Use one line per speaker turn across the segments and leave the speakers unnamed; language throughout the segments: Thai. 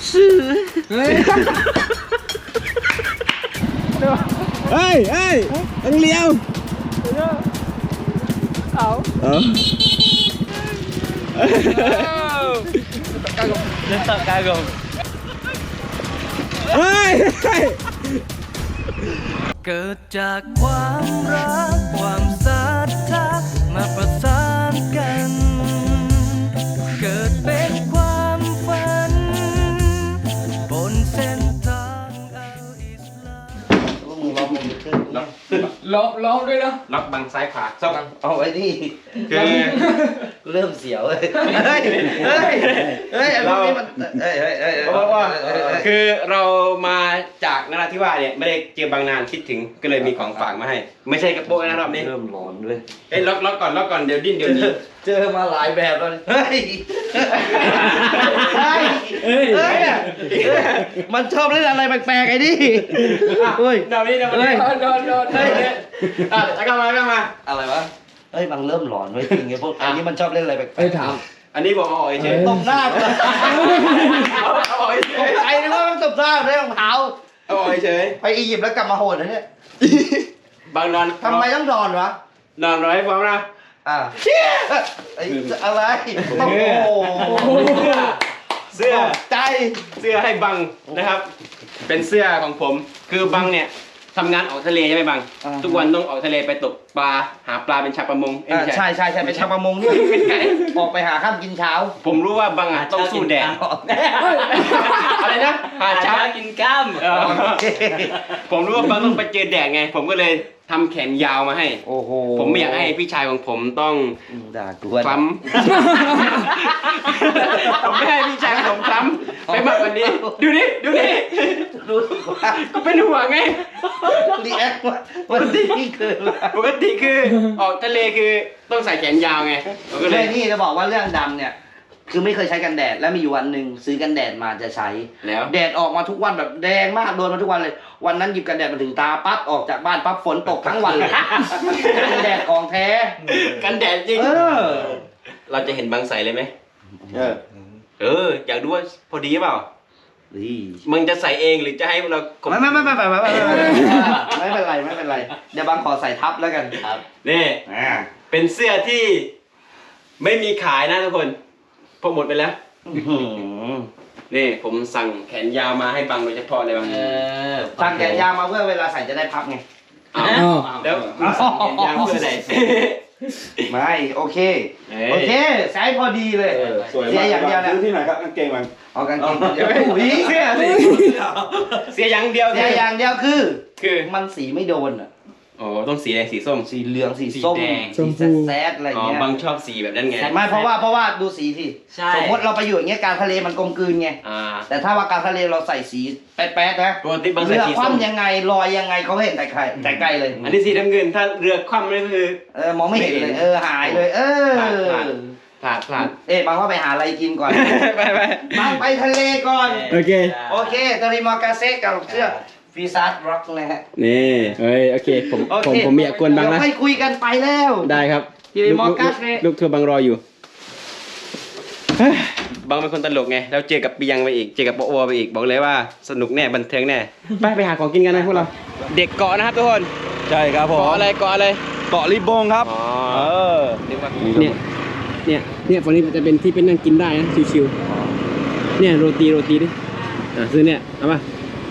ซื้อเฮ้ยต้องเลี้ยวเอาkagumเกิดจากความรักความศรัทธามาประสานกันเกิดเป็นความฝันบนเส้นทางอัลอิสลามล้อมด้วยนะล็อกบังซ้ายขวาซ่อมเอาไว้นี่คือเริ่มเสียวเลยเราคือเรามาจากนราธิวาสเนี่ยไม่ได้เจอบางนานคิดถึงก็เลยมีของฝากมาให้ไม่ใช่กระโปรงนะรอบนี้เริ่มร้อนด้วยล็อกก่อนเดี๋ยวดิ้นเดี๋ยวนี้เจอมาหลายแบบแล้วมันชอบเล่นอะไรแปลกๆไอ้นี่เฮ้ยโดนแล้วก็มาอะไรวะเฮ้ยมันเริ่มหลอนไว้จริงไงพวกอันนี้มันชอบเล่นอะไรแปลกๆถามอันนี้บอกเอาเฉยตบหน้าไอ้นี่ว่ามันตบหน้าได้รองเท้าเอาเฉยไปอียิปต์แล้วกลับมาโหดนะเนี่ยบางนอนทำไมต้องนอนวะนอนร้อยฟ้องนะไอ้อะไรโอ้โหเสื้อใจเสื้อให้บังนะครับเป็นเสื้อของผมคือบังเนี่ยทำงานออกทะเลใช่ไหมบังทุกวันต้องออกทะเลไปตกปลาหาปลาเป็นชาวประมงใช่เป็นชาวประมงนี่ออกไปหาข้ามกินเช้าผมรู้ว่าบังต้องสู้แดดอะไรนะหาเช้ากินข้ามผมรู้ว่าบังต้องไปเจอแดดไงผมก็เลยทำแขนยาวมาให้โอ้โหผมไม่อยากให้พี่ชายของผมต้องด่ากวนคล้ำผมไม่ให้พี่ชายของผมคล้ำไปมากกว่านี้ดูนี่ก็เป็นห่วงไงรีแอคปกติคือออกทะเลคือต้องใส่แขนยาวไงก็เลยนี่จะบอกว่าเรื่องดำเนี่ยคือไม่เคยใช้กันแดดแล้วมีอยู่วันหนึ่งซื้อกันแดดมาจะใช้แล้วแดดออกมาทุกวันแบบแดงมากโดนมาทุกวันเลยวันนั้นหยิบกันแดดมาถึงตาปั๊บออกจากบ้านปั๊บฝนตกทั้งวันเลยกันแดดของแท้กันแดดจริงเราจะเห็นบางใสเลยไหมอยากดูว่าพอดีเปล่ามึงจะใส่เองหรือจะให้เราไม่เป็นไรเดี๋ยวบางขอใส่ทับแล้วกันครับนี่เป็นเสื้อที่ไม่มีขายนะทุกคนพอหมดไปแล้วนี่ผมสั่งแขนยาวมาให้บังโดยเฉพาะเลยบังสั่งแขนยาวมาเพื่อเวลาใส่จะได้พับไงแล้วสั่งแขนยาวเพื่ออะไรไม่โอเคใช้พอดีเลยเสียอย่างเดียวนะซื้อที่ไหนครับกางเกงมันเอากางเกงเสียอย่างเดียวคือมันสีไม่โดนอ่ะโอ้ต้องสีอะไรสีส้มสีเหลืองสีส้มสีแซดอะไรอย่างเงี้ยบางชอบสีแบบนั้นไงไม่เพราะว่าดูสีที่สมมติเราไปอยู่อย่างเงี้ยกลางทะเลมันกลมกลืนไงแต่ถ้าว่ากลางทะเลเราใส่สีแป๊ดๆนะเรือคว่ำยังไงลอยยังไงเขาเห็นแต่ไกลเลยอันนี้สีน้ำเงินถ้าเรือคว่ำนี่คือมองไม่เห็นเลยหายเลยพลาดบางว่าไปหาอะไรกินก่อนบางไปทะเลก่อนโอเคตาริมอกาเซ่กับเสื้อฟีซาร์ดร็อกนะฮะนี่โอเคผมไม่อยากกวนบังนะให้คุยกันไปแล้วได้ครับลูกเธอบังรออยู่บังเป็นคนตลกไงแล้วเจอกับปียังไปอีกเจอกับโปโอไปอีกบอกเลยว่าสนุกแน่บันเทิงแน่ไปหาของกินกันนะพวกเราเด็กเกาะนะครับทุกคนใช่ครับผมเกาะอะไรเกาะลิบงครับเนี่ยฝั่งนี้จะเป็นที่เป็นนั่งกินได้นะชิวๆเนี่ยโรตีดิซื้อเนี่ยเอาป่ะ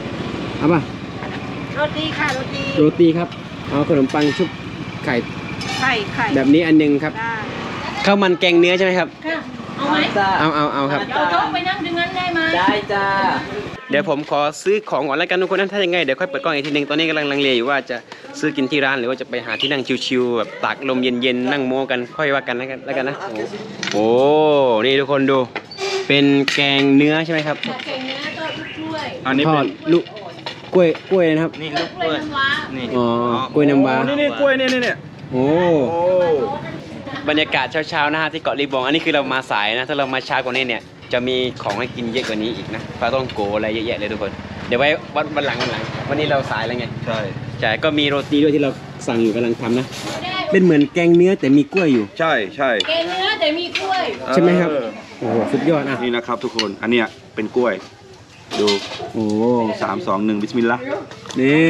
โรตีครับเอาขนมปังชุบไข่แบบนี้อันนึงครับข้าวมันแกงเนื้อใช่ไหมครับเอาไหมเอาครับเอาโต๊ะไปนั่งดึงนั้นได้ไหมได้จ้าเดี๋ยวผมขอซื้อของก่อนแล้วกันทุกคนนั้นถ้ายังไงเดี๋ยวค่อยเปิดกล้องอีกทีนึงตอนนี้กำลังลังเลอยู่ว่าจะซื้อกินที่ร้านหรือว่าจะไปหาที่นั่งชิวๆแบบตากลมเย็นๆนั่งโม้กันค่อยว่ากันแล้วกันนะโอ้นี่ทุกคนดูเป็นแกงเนื้อใช่ไหมครับแกงเนื้อทอดกล้วยอันนี้เป็นลูกกล้วยนะครับนี่ลูกกล้วยน้ำว้านี่อ๋อกล้วยน้ำว้านี่กล้วยนี่โอ้บรรยากาศเช้าๆนะฮะที่เกาะลีบงอันนี้คือเรามาสายนะถ้าเรามาช้ากว่านี้เนี่ยจะมีของให้กินเยอะกว่านี้อีกนะปลาต้องโกอะไรเยอะแยะเลยทุกคนเดี๋ยวไว้วันหลังวันนี้เราสายแล้วไงใช่ก็มีโรตีด้วยที่เราสั่งอยู่กำลังทำนะเป็นเหมือนแกงเนื้อแต่มีกล้วยอยู่ใช่
แกงเนื้อแต่มีกล้วย
ใช่ไหมครับโอ้โหสุดยอดนะ
นี่นะครับทุกคนอันเนี้ยเป็นกล้วย
ดู
โอ้
3 2 1บิสมิลลาห์
นี่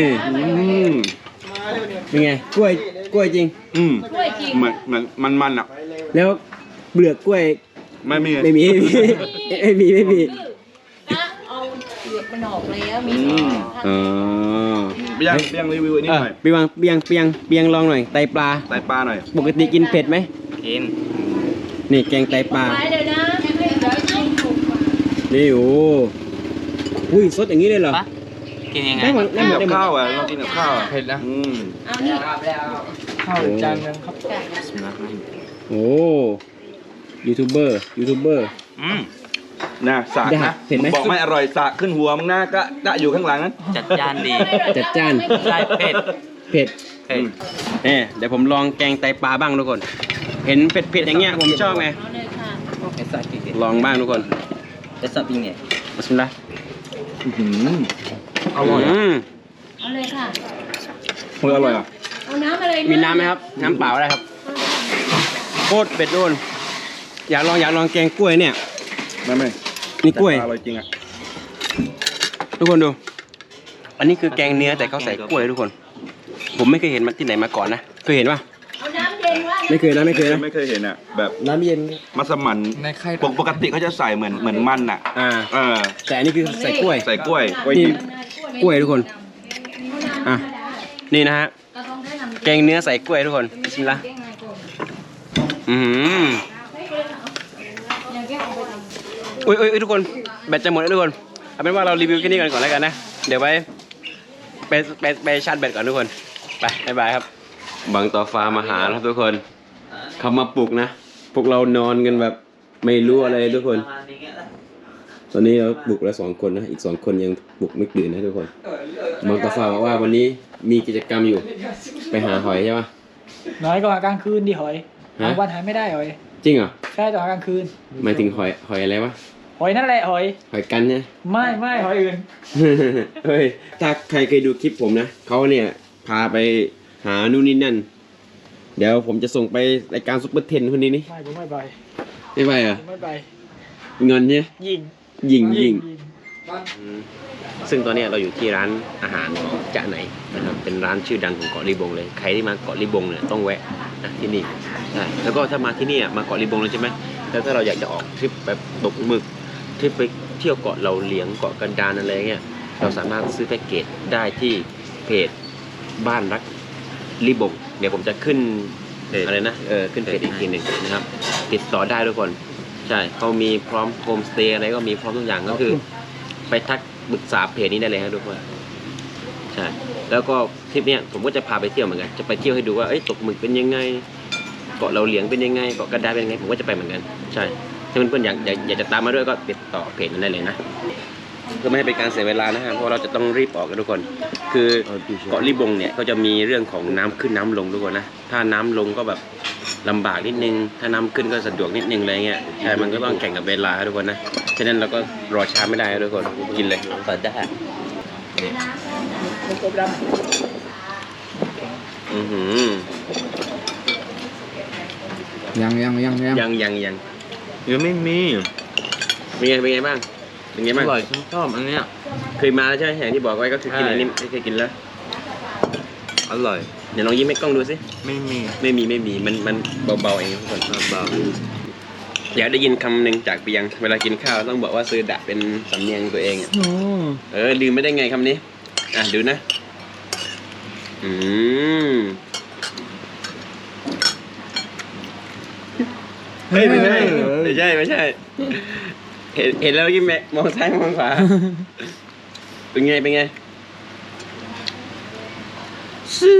เป็นไงกล้วยจริง
กล้วยจริง
เหมือนมันอ่ะ
แล้วเปลือกกล้วย
ไม่มี
ไม่มีไม่มี
นะเอาเปลือกมันออกแล้วมี
อ๋อ
เบี้ยงรีวิวอันนี้หน่อย
เปียงลองหน่อยไตปลา
ไตปลาหน่อย
ปกติกินเผ็ดไหม
กิน
นี่แกงไตปลา
ไปเลยนะเดี๋ยวชิมถูกกว่า
นี่โอ้อุ้ยสดอย่างนี้เลยเหรอ
กินยังไง
ได้หมด
กินกับ
ได้หมด
ข้าวอ่ะเรากินกับข้าว
เผ็ดแล้ว
เอานี่
ข้าวจานนึงครับ
โอ้ยูทูบเบอร์
นะสาก
ได้
นะ
เห็นไหม
บอกไม่อร่อยสากขึ้นหัวมึงหน้าก็อยู่ข้างหลังนั้น
จัดจานดี
จัดจ้าน
ใช่เผ็ด
เผ็ด
เผ็ด
เดี๋ยวผมลองแกงไตปลาบ้างทุกคน เห็นเผ็ดอย่างเงี้ยผมชอบไง
เอาเลยค่ะ
เอสซาติเก
ลองบ้างทุกคน
เอสซาติเง
บิสมิลลาห์
อร่อย
เอาเลยค่ะ
เฮ้ยอร่อยอ่ะ
เอาน้ำอะไร
มีน้ำไหมครับ น้ำเปล่าได้ครับโคตรเผ็ดโดนอยากลองแกงกล้วยเนี่ย
ไม่
นี่กล้วย
อร่อยจริงอ่ะ
ทุกคนดู อันนี้คือแกงเนื้อแต่เขาใส่กล้วยทุกคน ผมไม่เคยเห็นมาที่ไหนมาก่อนนะ เคยเห็นปะ
เอาน้ำเย็นว่า
ไม่เคยนะ
ไม่เคยเห็นอ่ะแบบ
น้ำเย็น
มัสมั่น
ในไข่
ปกติเขาจะใส่เหมือนมันอ่ะ
แต่อันนี้คือใส่กล้วย
ใส่กล้วย
นี่
ดิบ
กล้วยทุกคน อ่ะ นี่นะฮะ
ก็ต้องได้น้ำ
แกงเนื้อใส่กล้วยทุกคนบิสมิลลาห์อืมอุ้ยทุกคน แบตจะหมดแล้วทุกคน เอาเป็นว่าเรารีวิวแค่นี้ก่อนแล้วกันนะ เดี๋ยวไปชาร์จแบตก่อนทุกคน ไปบ๊ายบายครับ บางต่อฟ้ามาหาครับทุกคน เขามาปลุกนะ พวกเรานอนกันแบบไม่รู้อะไรทุกคน ตอนนี้เราปลุกแล้ว2 คนนะ อีก2 คนยังปลุกไม่ตื่นนะทุกคน บางต่อฟ้าบอกว่าวันนี้มีกิจกรรมอยู่ ไปหาหอยใช่ปะ
น้อยก็หากลางคืนดิหอย
ฮะ
กลางวันหาไม่ได้หอย
จริงเหรอ
ใช่ต้องหากลางคืน
หมายถึงหอยอะไรวะ
หอยนั่นแหละหอย
หอยกันเนี่ย
ไม่หอยอื่น
เฮ้ย ถ้าใครเคยดูคลิปผมนะ เขาเนี่ยพาไปหานู่นนี่นั่น เดี๋ยวผมจะส่งไปรายการซุปเปอร์เทนคนนี้นี่
ไม่ผมไม่ไป
ไม่ไปเหรอ
ผมไม่ไป
เงินเนี่ย
ยิง
ยิงซึ่งตอนนี้เราอยู่ที่ร้านอาหารของจ๊ะไหนนะครับ เป็นร้านชื่อดังของเกาะลีบงเลย ใครที่มาเกาะลีบงเนี่ยต้องแวะนะที่นี่ใช่แล้วก็ถ้ามาที่นี่มาเกาะลีบงเลยใช่ไหมแล้วถ้าเราอยากจะออกทริปแบบตกหมึกทริปไปเที่ยวเกาะเราเหลียงเกาะกันดารอะไรเงี้ย เราสามารถซื้อแพ็กเกจได้ที่เพจบ้านรักลีบง เดี๋ยวผมจะขึ้นอะไรนะขึ้นเพจอีกทีหนึ่งนะครับ ติดต่อได้ทุกคน ใช่เขามีพร้อมโฮมสเตย์อะไรก็มีพร้อมทุกอย่างก็คือ ไปทักปรึกษาเพจนี้ได้เลยครับทุกคนใช่แล้วก็ทริปเนี้ยผมก็จะพาไปเที่ยวเหมือนกันจะไปเที่ยวให้ดูว่าตกหมึกเป็นยังไงเกาะเราเหลียงเป็นยังไงเกาะกระดาษเป็นยังไงผมก็จะไปเหมือนกันใช่ถ้าเพื่อนๆอยากจะตามมาด้วยก็ติดต่อเพจนั้นได้เลยนะเพื่อไม่ให้เป็นการเสียเวลานะฮะเพราะเราจะต้องรีบออกกันทุกคน คือเกาะลีบงเนี่ยก็จะมีเรื่องของน้ำขึ้นน้ำลงทุกคนนะถ้าน้ำลงก็แบบลำบากนิดนึงถ้าน้ำขึ้นก็สะดวกนิดนึงอะไรเงี้ยใช่มันก็ต้องแข่งกับเวลาทุกคนนะฉะนั้นเราก็รอช้าไม่ได้ทุกคนกินเลยเปิดได้อือหือ
ยัง
ยัง
ยังไม่มี
เป็นไงบ้างเป็นไง
อ
บ้าง
ร่อยฉันชอบอันเนี้ย
เคยมาแล้วใช่ไหมอย่างที่บอกไว้ก็คือกินอันนี้ไม่เคยกินแล้ว
อร่อย
เดี๋ยวลองยิ้มให้กล้องดูสิ
ไม่มี
ไม่มีมันเบาๆเองทุกคนเบาอยากได้ยินคำหนึ่งจากเปียงเวลากินข้าวต้องบอกว่าซื้อดะเป็นสำเนียงตัวเองอ่ะลืมไม่ได้ไงคำนี้ดูนะเฮ้ยไม่ใช่เห็นแล้วยิ้มแม่มองซ้ายมองขวาเป็นไงซื้อ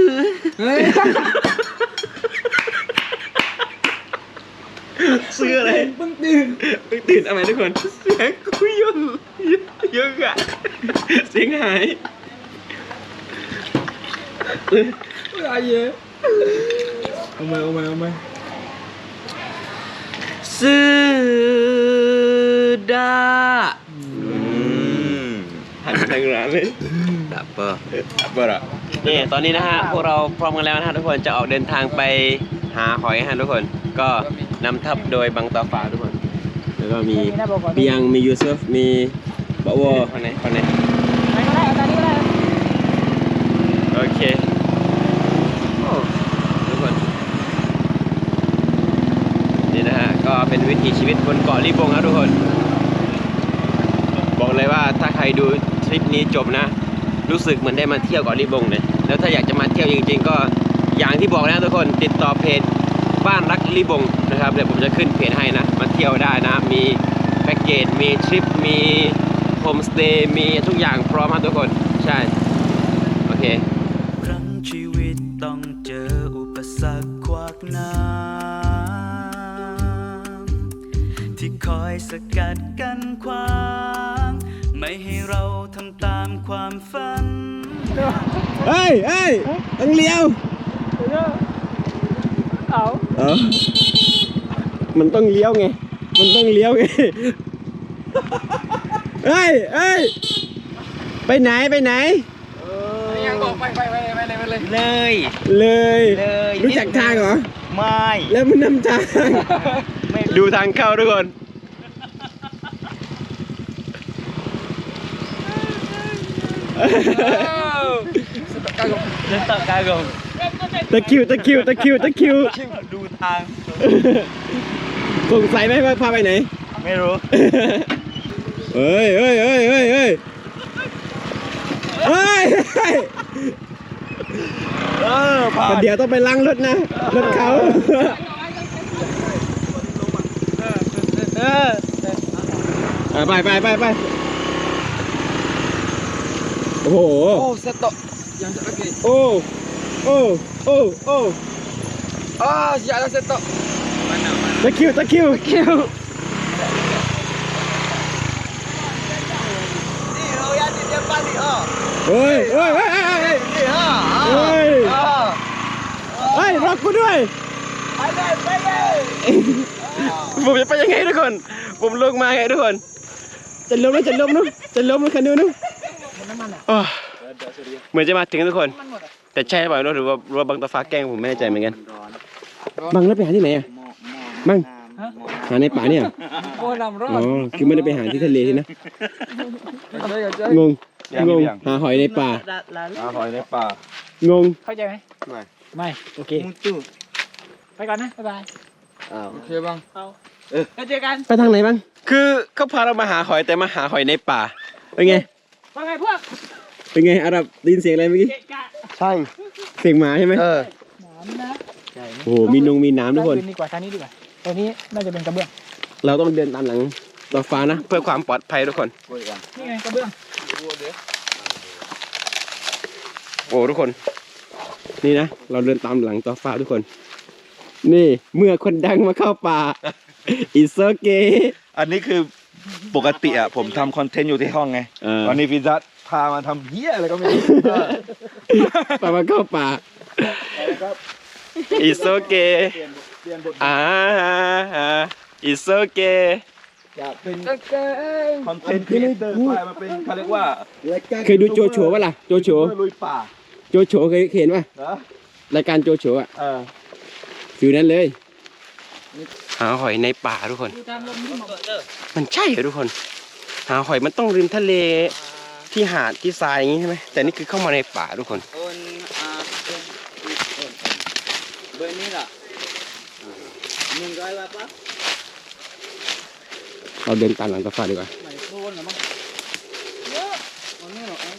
ซื้ออะไรเพิ่งตื่นเอาไหมทุกคนเสียงคุยเยอะอะเสียงหายอะไรเยอะเอามาซื้อดาหันทางร้านเลยดับเบอร์นี่ตอนนี้นะฮะพวกเราพร้อมกันแล้วนะฮะทุกคนจะออกเดินทางไปหาหอยฮะทุกคนก็นำทัพโดยบังตาฟ้าทุกคนแล้วก็มีเปียงมียูซุฟมีบะวัวคนไหนคนไหน
ไปก็ได้เอาตอนนี้ก็ได้
โอเคโอ้ทุกคนนี่นะฮะก็เป็นวิถีชีวิตบนเกาะลิบงครับทุกคนบอกเลยว่าถ้าใครดูคลิปนี้จบนะรู้สึกเหมือนได้มาเที่ยวเกาะลิบงเลยแล้วถ้าอยากจะมาเที่ยวจริงๆก็อย่างที่บอกนะทุกคนติดต่อเพจบ้านรักลิบงนะครับเดี๋ยวผมจะขึ้นเพจให้นะมาเที่ยวได้นะมีแพ็กเกจมีทริปมีโฮมสเตย์มีทุกอย่างพร้อมครับทุกคนใช่โอเค
ครั้งชีวิตต้องเจออุปสรรคขวากน้ำที่คอยสกัดกั้นขวางไม่ให้เราทำตามความฝัน
เฮ้ยต้องเลี้ยว
เอา
มันต้องเลี้ยวไงเฮ้ยไปไหน
ยังบอกไปเลย
เลยรู้จักทางเหรอ
ไม่
แล้วมันนำทางดูทางเข้าทุกคน
เดินต่อกากง
ตะคิว
ดูทาง
สงสัยไหมว่าพาไปไหน
ไม่รู้
เฮ้ยเดี๋ยวต้องไปล้างรถนะรถเขาไปโอ้โห
เซตโตยังจะโอเค
โอ้
siap dah set top
ตะคิวเฮ้ยรอกูด้วยไปเลยผมจะไปยังไงทุกคนผมลงมาไงทุกคนจะล้มคันนู้นเหมือนจะมาถึงทุกคนแต่ใช่เปล่าหรือว่าบังตาฟ้าแกล้งผมไม่แน่ใจเหมือนกันบังแล้วไปหาที่ไหนอ่ะบังหาในป่าเนี่ย
โอ้นำรอ
อ๋
ด
อคือไม่ได้ไปหาที่ทะเลที่นะงงหาหอยในป่า
หอยในป่าง
ง
เข้าใจไหมไม่โอเคไปก่อนนะบ๊ายบายโอเคบ้างแล้วเจอกัน
ไปทางไหนบ้างคือเขาพาเรามาหาหอยแต่มาหาหอยในป่าเป็นไง
ว่าไงพวก
เป็นไงอารับได้ยินเสียงอะไรเมื่อกี้
ใช่
เสียงหมาใช่ไหม
น้ำนะ
โอ้โหมีน้ำทุกคน
ดีกว่าทางนี้ดีกว่าตัวนี้น่าจะเป็นกระเบื้อง
เราต้องเดินตามหลังต่อฟ้านะเพื่อความปลอดภัยทุกคน
นี่ไงกระเบื้อง
โอ้ทุกคนนี่นะเราเดินตามหลังต่อฟ้าทุกคนนี่เมื่อคนดังมาเข้าป่าอิโซเกะ
อันนี้คือปกติอ่ะผมทำคอนเทนต์อยู่ที่ห้องไงวันนี้ฟิซัสพามาทำเหี้ยอะไรก็ไม่รู้
ป่ามาเข้าป่าอิโซเกะอิโซเกะ
อยากเป็นคอนเทนต์ครีเอเตอร์ไปมาเป็นเขาเรียกว่า
เคยดูโจโฉป่ะล่ะโจโฉ
ลุยป่า
โจโฉเคยเห็นป่ะ
นะ
รายการโจโฉอ่ะ
เออ
ฟิวนั้นเลยหาหอยในป่าทุกคนมันใช่เหรอทุกคนหาหอยมันต้องริมทะเลที่หาดที่ทรายอย่างงี้ใช่ไหมแต่นี่คือเข้ามาในป่าทุกคน
เบอร์นี้ล่ะ100 บาทปะ
เราเดินตามหลังต่อฟ้าดีกว่า
ไหนโคนเหรอมั้งเยอะมันไม่หรอก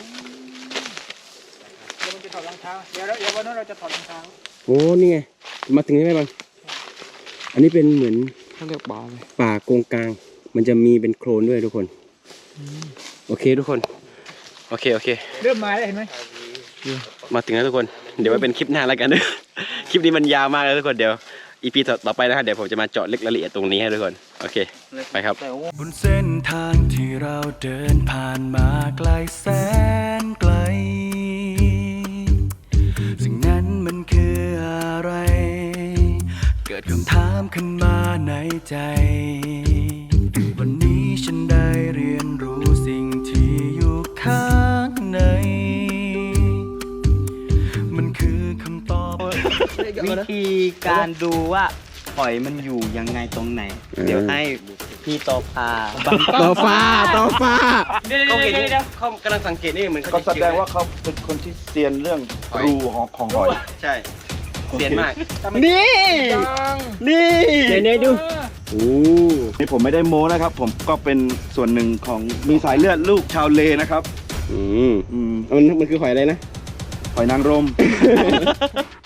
เดี๋ยวมันจะถอดรองเท้าเดี๋ยววันนั้นเราจะถอดรองเท้า
โอ้นี่ไงมาถึงใช่ไหมบังอันนี้เป็นเหมือน
เขาเรียกบ่อเลย
ป่าโกงกลางมันจะมีเป็นโคลนด้วยทุกคนโอเคทุกคนโอเค
เริ่มมาแล้วเห็นไหม
มาถึงแล้วทุกคนเดี๋ยวไว้เป็นคลิปหน้าแล้วกันนะ คลิปนี้มันยาวมากเลยทุกคนเดี๋ยวอีพีต่อไปนะครับเดี๋ยวผมจะมาเจาะลึกรายละเอียดตรงนี้ให้ทุกคนโอเคไปครับ
บนเส้นทางที่เราเดินผ่านมาไกลแสนไกลสิ่งนั้นมันคืออะไร เกิดคำถามขึ้นมาในใจ วันนี้ฉันได้เรียนรู้สิ่งที่อยู่ข้างในมันคือคำตอบ
วิธีการดูว่าหอยมันอยู่ยังไงตรงไหน เดี๋ยวให้ธีต่อพา
ต่อฟ้าต่อฟ้า
เดี๋ยว
เขาเห็น
เดี๋ยว
เขากำลังสังเกตนี่เหมือน
ก็แสดงว่าเขาเป็นคนที่เซียนเรื่องรูของหอย
ใช่เสียนมาก
นี่
นี่เนยดูโอ้
นี่ผมไม่ได้โม้นะครับ ผมก็เป็นส่วนหนึ่งของมีสายเลือดลูกชาวเลนะครับ
มันคือหอยอะไรนะ
หอยนางรม